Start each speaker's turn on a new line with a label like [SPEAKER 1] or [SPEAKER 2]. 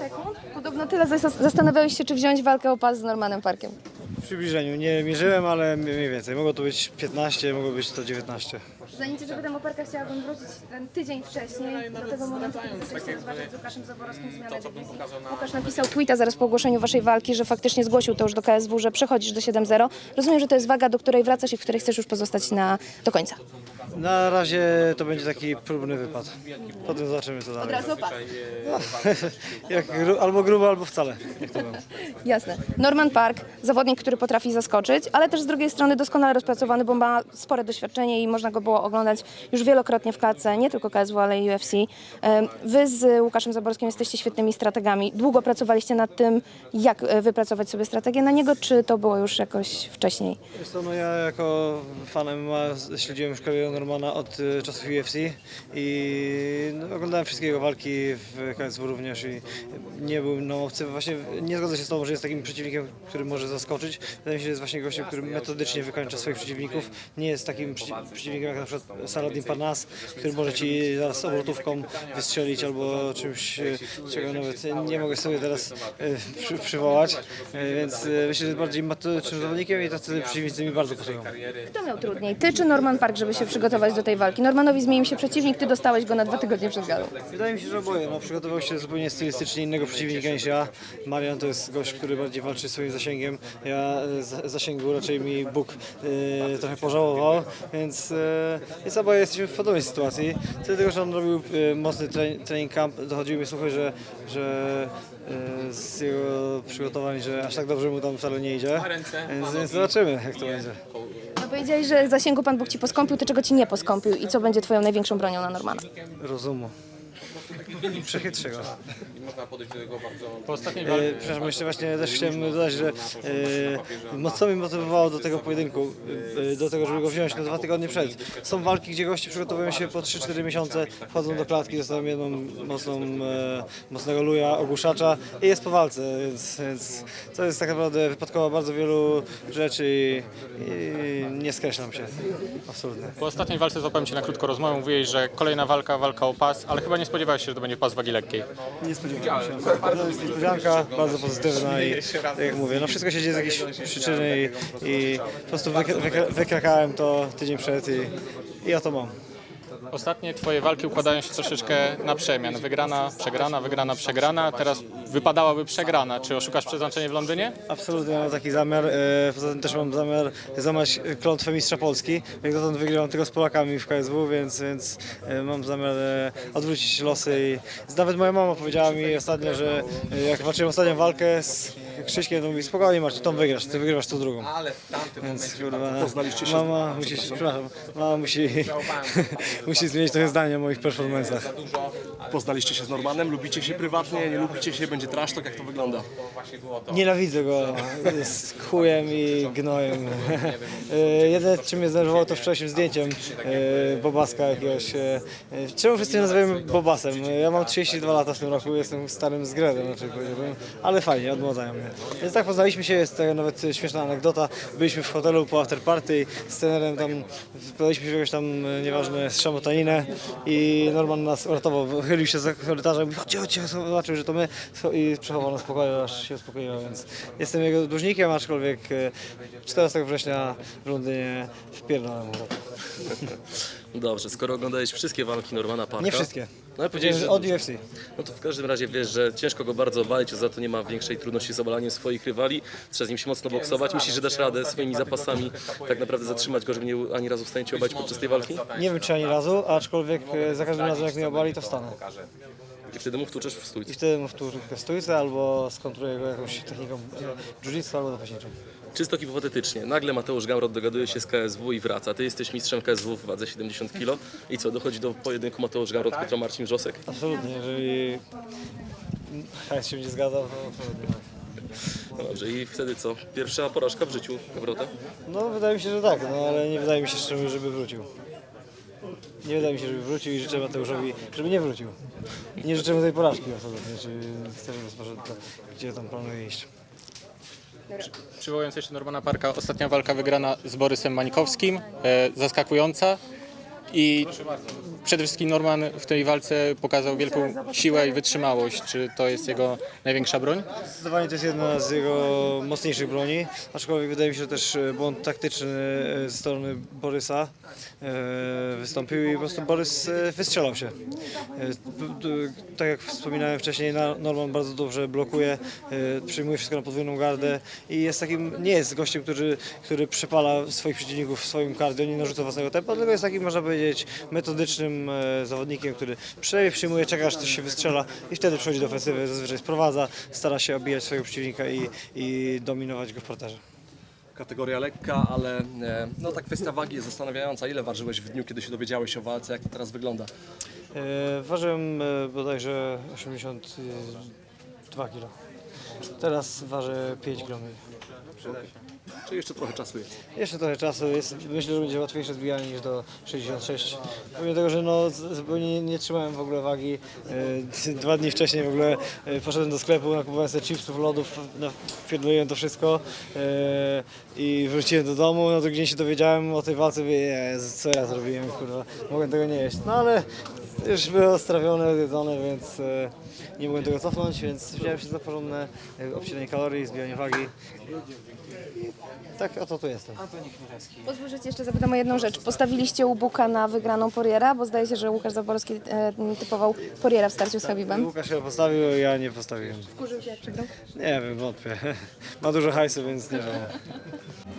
[SPEAKER 1] sekund. Podobno tyle zastanawiałeś się, czy wziąć walkę o pas z Normanem Parkiem.
[SPEAKER 2] W przybliżeniu nie mierzyłem, ale mniej więcej. Mogło to być 15, mogło być to 19.
[SPEAKER 1] Zanim Cię zapytam o Parka, chciałabym wrócić ten tydzień wcześniej do tego momentu, kiedy zaczęliście rozważać z Łukaszem Zaborowskim zmianę dywizji. Łukasz napisał tweeta zaraz po ogłoszeniu Waszej walki, że faktycznie zgłosił to już do KSW, że przechodzisz do 7-0. Rozumiem, że to jest waga, do której wracasz i w której chcesz już pozostać do końca.
[SPEAKER 2] Na razie to będzie taki próbny wypad. Potem zobaczymy co dalej.
[SPEAKER 1] Od razu o pas.
[SPEAKER 2] Albo grubo, albo wcale. Jak to będzie.
[SPEAKER 1] Jasne. Norman Park, zawodnik, który potrafi zaskoczyć, ale też z drugiej strony doskonale rozpracowany, bo ma spore doświadczenie i można go było oglądać już wielokrotnie w klatce, nie tylko KSW, ale i UFC. Wy z Łukaszem Zaborskim jesteście świetnymi strategami. Długo pracowaliście nad tym, jak wypracować sobie strategię na niego, czy to było już jakoś wcześniej?
[SPEAKER 2] Wiesz co, no ja jako fan MMA śledziłem już karierę Normana od czasów UFC i oglądałem wszystkie jego walki w KSW również i nie był no, obcy. Właśnie nie zgodzę się z tobą, że jest takim przeciwnikiem, który może zaskoczyć. Wydaje mi się, że jest właśnie gościem, który metodycznie wykańcza swoich przeciwników. Nie jest takim przeciwnikiem jak na przykład Saladin Parnasse, który może ci zaraz obrotówką wystrzelić albo czymś, czego nawet nie mogę sobie teraz przywołać. Więc myślę, że jest bardziej metodycznym zawodnikiem i tacy przeciwnicy mi bardzo pasują.
[SPEAKER 1] Kto miał trudniej, ty czy Norman Park, żeby się przygotować do tej walki? Normanowi zmienił się przeciwnik, ty dostałeś go na 2 tygodnie przed galą.
[SPEAKER 2] Wydaje mi się, że oboje. No, przygotował się zupełnie stylistycznie innego przeciwnika niż ja. Marian to jest gość, który bardziej walczy swoim zasięgiem. Ja zasięgu raczej mi Bóg trochę pożałował, więc oboje jesteśmy w podobnej sytuacji. Tyle tego, że on robił mocny trening camp, dochodziły mi słuchy, że z jego przygotowań, że aż tak dobrze mu tam wcale nie idzie. Więc zobaczymy, jak to będzie.
[SPEAKER 1] No powiedziałeś, że zasięgu Pan Bóg ci poskąpił, to czego ci nie poskąpił i co będzie twoją największą bronią na Normana?
[SPEAKER 2] Rozumu. Przechytrzego.
[SPEAKER 3] Można podejść do tego bardzo...
[SPEAKER 4] Po ostatniej walce
[SPEAKER 2] Przepraszam, jeszcze właśnie też chciałem dodać, że mocno mnie motywowało do tego pojedynku, do tego, żeby go wziąć na 2 tygodnie przed. Są walki, gdzie goście przygotowują się po 3-4 miesiące, wchodzą do klatki, dostają jedną mocnego luja, ogłuszacza i jest po walce, więc to jest tak naprawdę wypadkowa bardzo wielu rzeczy i nie skreślam się, absolutnie.
[SPEAKER 4] Po ostatniej walce złapałem Cię na krótko rozmowę, mówiłeś, że kolejna walka o pas, ale chyba nie spodziewałeś się, że to będzie pas wagi lekkiej.
[SPEAKER 2] Nie spodziewałem się. To jest niespodzianka, bardzo pozytywna i tak jak mówię, no wszystko się dzieje z jakiejś przyczyny i po prostu wykrakałem to tydzień przed i ja to mam.
[SPEAKER 4] Ostatnie Twoje walki układają się troszeczkę na przemian. Wygrana, przegrana, wygrana, przegrana. Teraz wypadałaby przegrana. Czy oszukasz przeznaczenie w Londynie?
[SPEAKER 2] Absolutnie mam taki zamiar. Poza tym też mam zamiar złamać klątwę mistrza Polski. Jak dotąd wygrywam tylko z Polakami w KSW, więc mam zamiar odwrócić losy. I nawet moja mama powiedziała mi ostatnio, że jak walczyłem ostatnią walkę z Krzyśkiem, to mówi spokojnie Marcin, tą wygrasz, ty wygrywasz tą drugą. Więc kurwa, mama musi zmienić trochę zdanie o moich performancach.
[SPEAKER 5] Poznaliście się z Normanem, lubicie się prywatnie, nie lubicie się, będzie trash talk, jak to wygląda?
[SPEAKER 2] Nienawidzę go, jest chujem i gnojem. Jedyne, czym mnie zdenerwowało, to wczorajszym zdjęciem Bobaska jakiegoś. Czemu wszyscy mnie nazywają Bobasem? Ja mam 32 lata w tym roku, jestem starym zgredem, raczej powiedziałbym, ale fajnie, odmłodzają mnie. Więc tak poznaliśmy się, jest taka nawet śmieszna anegdota. Byliśmy w hotelu po afterparty z trenerem tam, podaliśmy się w jakąś tam, nieważne, szamotaninę i Norman nas uratował, wychylił się za korytarzem, mówi chodźcie, zobaczył, że to my i przechował nas spokoju, aż się uspokoiło, więc jestem jego dłużnikiem, aczkolwiek 14 września w Londynie wpierdolę mu.
[SPEAKER 6] Dobrze, skoro oglądałeś wszystkie walki Normana Parka...
[SPEAKER 2] Nie wszystkie.
[SPEAKER 6] No, powiedziałeś, że...
[SPEAKER 2] Od UFC.
[SPEAKER 6] No to w każdym razie wiesz, że ciężko go bardzo obalić, za to nie ma większej trudności z obalaniem swoich rywali. Trzeba z nim się mocno boksować. Myślisz, że dasz radę swoimi zapasami tak naprawdę zatrzymać go, żeby nie był ani razu w stanie cię obalić podczas tej walki?
[SPEAKER 2] Nie wiem czy ani razu, aczkolwiek za każdym razem jak mnie obali, to wstanę.
[SPEAKER 6] I wtedy mu wtłuczesz w stójce.
[SPEAKER 2] I wtedy mu wtórzę w stójce albo skontruję go jakąś techniką jiu-jitsu albo zapaśniczą.
[SPEAKER 6] Czysto hipotetycznie, nagle Mateusz Gamrot dogaduje się z KSW i wraca. Ty jesteś mistrzem KSW w wadze 70 kg i co, dochodzi do pojedynku Mateusz Gamrot kontra Marcin Wrzosek?
[SPEAKER 2] Absolutnie, jeżeli hajs się będzie zgadzał, to absolutnie.
[SPEAKER 6] No dobrze, i wtedy co? Pierwsza porażka w życiu Gamrota?
[SPEAKER 2] No wydaje mi się, że tak, no ale nie wydaje mi się, żeby wrócił. Nie wydaje mi się, żeby wrócił i życzę Mateuszowi, żeby nie wrócił. Nie życzę mu tej porażki absolutnie, czy chcę, żeby poszedł gdzie tam planuje iść.
[SPEAKER 4] Przywołując jeszcze Normana Parka, ostatnia walka wygrana z Borysem Mańkowskim, zaskakująca. I przede wszystkim Norman w tej walce pokazał wielką siłę i wytrzymałość. Czy to jest jego największa broń?
[SPEAKER 2] Zdecydowanie to jest jedna z jego mocniejszych broni, aczkolwiek wydaje mi się, że też błąd taktyczny ze strony Borysa wystąpił i po prostu Borys wystrzelał się. Tak jak wspominałem wcześniej, Norman bardzo dobrze blokuje, przyjmuje wszystko na podwójną gardę i jest takim, nie jest gościem, który przepala swoich przeciwników w swoim cardio, nie narzuca własnego tempa, tylko jest takim, można powiedzieć, metodycznym zawodnikiem, który przynajmniej przyjmuje, czeka aż coś się wystrzela i wtedy przechodzi do ofensywy, zazwyczaj sprowadza, stara się obijać swojego przeciwnika i dominować go w parterze.
[SPEAKER 5] Kategoria lekka, ale no ta kwestia wagi jest zastanawiająca. Ile ważyłeś w dniu, kiedy się dowiedziałeś o walce? Jak to teraz wygląda?
[SPEAKER 2] Ważyłem bodajże 82 kg. Teraz ważę 5 kg.
[SPEAKER 5] Czy jeszcze trochę czasu jest?
[SPEAKER 2] Jeszcze trochę czasu jest. Myślę, że będzie łatwiejsze zbijanie niż do 66. Pomimo tego, że no, zupełnie nie trzymałem w ogóle wagi. 2 dni wcześniej w ogóle poszedłem do sklepu, nakupowałem sobie chipsów, lodów, wpierdoliłem to wszystko i wróciłem do domu. No to gdzieś się dowiedziałem o tej walce, mówię, Jezu, co ja zrobiłem, kurwa, mogłem tego nie jeść. No ale już było strawione, zjedzone, więc nie mogłem tego cofnąć, więc wziąłem się za porządne obcinanie kalorii, zbijanie wagi. Tak, oto tu jestem.
[SPEAKER 1] Pozwól, że cię jeszcze zapytam o jedną rzecz. Postawiliście u Buka na wygraną Poriera, bo zdaje się, że Łukasz Zaborski typował Poriera w starciu z Habibem.
[SPEAKER 2] Łukasz się postawił, ja nie postawiłem.
[SPEAKER 1] Wkurzył się jak przegrał?
[SPEAKER 2] Nie wiem, wątpię. Ma dużo hajsu, więc nie wiem.